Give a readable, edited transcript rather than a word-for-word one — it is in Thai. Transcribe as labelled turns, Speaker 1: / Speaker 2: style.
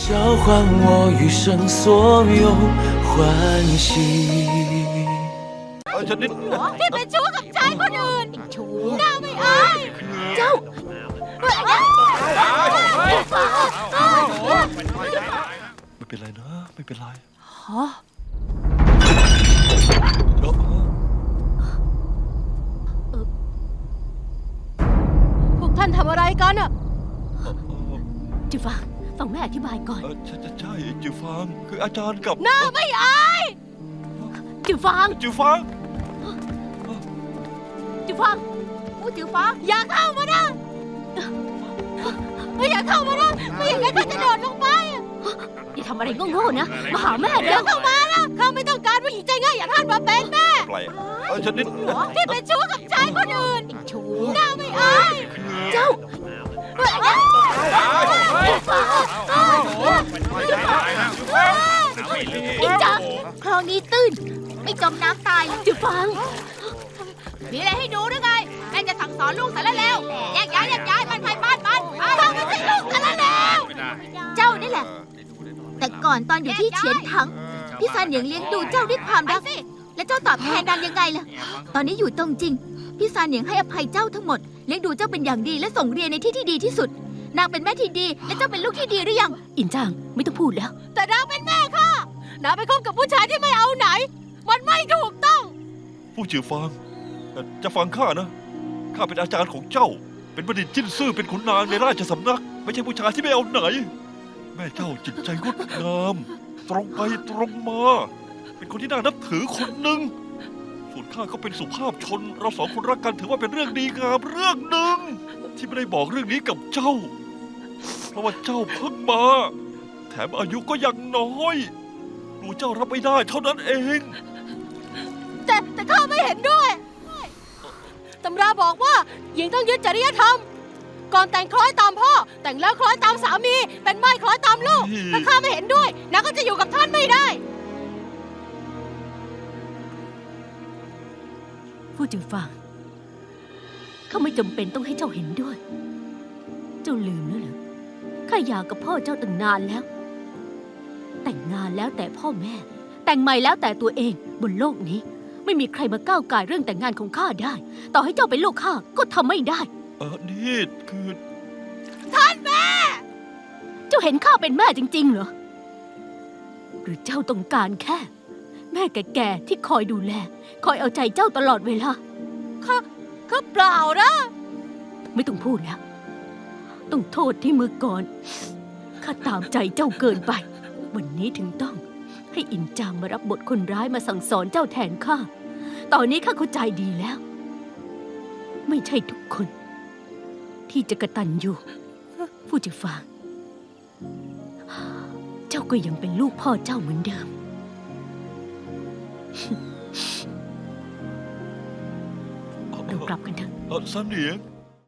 Speaker 1: 交换我余生所有欢喜。
Speaker 2: ฉันนิด
Speaker 3: ที่เป็นชู้กับชายคนอื่นชู้หน้าไม่อายเจ้า
Speaker 2: ไม่เป็นไรนะไม่เป็นไร
Speaker 3: ฮะพวกท่านทำอะไรกันอะจิฟังฟังแม่อธิบายก่อน
Speaker 2: ใช่จิวฟางคืออาจารย์กับ
Speaker 3: หน้าไม่อายจิฟัง
Speaker 2: จิวฟาง
Speaker 3: จิฟังจิฟังอย่าเข้ามานะไม่อย่าเข้ามานะไม่อย่างนั้นข้าจะโดดลงไปอย่าทำอะไรโง่ๆนะมาหาแม่เดี๋ยวเข้ามานะข้าไม่ต้องการผู้หญิงใจง่ายอย่างท่านมาเป็นแม่
Speaker 2: อะไรฉันนิด
Speaker 3: ที่เป็นชู้กับชายคนอื่นชู้หน้าไม่อายเจ้าอินจังคลองนี้ตื้นไม่จมน้ำตายจิฟังมีอะไรให้ดูหรือไงแม่จะสั่งสอนลูกสารแล้วแยกย้ายมันไปบ้านฟังไม่ใช่ลูกสารแล้วเจ้านี่แหละ แต่ก่อนตอนอยู่ที่เฉียนถังพี่ซานเหนียงเลี้ยงดูเจ้าด้วยความรักและเจ้าตอบแทนนางยังไงล่ะตอนนี้อยู่ตรงจริงพี่ซานเหนียงให้อภัยเจ้าทั้งหมดเลี้ยงดูเจ้าเป็นอย่างดีและส่งเรียนในที่ที่ดีที่สุดนางเป็นแม่ที่ดีและเจ้าเป็นลูกที่ดีหรือยังอินจางไม่ต้องพูดแล้วแต่นางเป็นแม่ค่ะนางไปคบกับผู้ชายที่ไม่เอาไหนมันไม่ถูกต้อง
Speaker 2: ผู้จิวฟางจะฟังข้านะข้าเป็นอาจารย์ของเจ้าเป็นบัณฑิตจิ้นซื่อเป็นขุนนางในราชสำนักไม่ใช่ผู้ชายที่ไม่เอาไหนแม่เจ้าจิตใจงดงามตรงไปตรงมาเป็นคนที่น่านับถือคนหนึ่งส่วนข้าก็เป็นสุภาพชนเราสองคนรักกันถือว่าเป็นเรื่องดีงามเรื่องหนึ่งที่ไม่ได้บอกเรื่องนี้กับเจ้าเพราะว่าเจ้าเพิ่งมาแถมอายุก็ยังน้อยดูเจ้ารับไม่ได้เท่านั้นเอง
Speaker 3: แต่ข้าไม่เห็นด้วยตำราบอกว่าหญิงต้องยึดจริยธรรมก่อนแต่งคล้อยตามพ่อแต่งแล้วคล้อยตามสามีเป็นม่ายคล้อยตามลูกถ้าข้าไม่เห็นด้วยนางก็จะอยู่กับท่านไม่ได้ผู้จึงฟังข้าไม่จำเป็นต้องให้เจ้าเห็นด้วยเจ้าลืมแล้วเหรอข้าหย่ากับพ่อเจ้าตั้งนานแล้วแต่งงานแล้วแต่พ่อแม่แต่งใหม่แล้วแต่ตัวเองบนโลกนี้ไม่มีใครมาก้าวก่ายเรื่องแต่งงานของข้าได้ต่อให้เจ้าเป็นลูกข้าก็ทำไม่ได้
Speaker 2: นี่คือ
Speaker 3: ท่านแม่เจ้าเห็นข้าเป็นแม่จริงๆเหรอหรือเจ้าต้องการแค่แม่แก่ๆที่คอยดูแลคอยเอาใจเจ้าตลอดเวลาข้าเปล่านะไม่ต้องพูดแล้วต้องโทษที่มือก่อนข้าตามใจเจ้าเกินไปวันนี้ถึงต้องให้อินจางมารับบทคนร้ายมาสั่งสอนเจ้าแทนข้าตอนนี้ข้าเข้าใจดีแล้วไม่ใช่ทุกคนที่จะกตัญญูผู้จะฟังเจ้าก็ยังเป็นลูกพ่อเจ้าเหมือนเดิมเรากลับกันเถอะ
Speaker 2: ซันเหนียง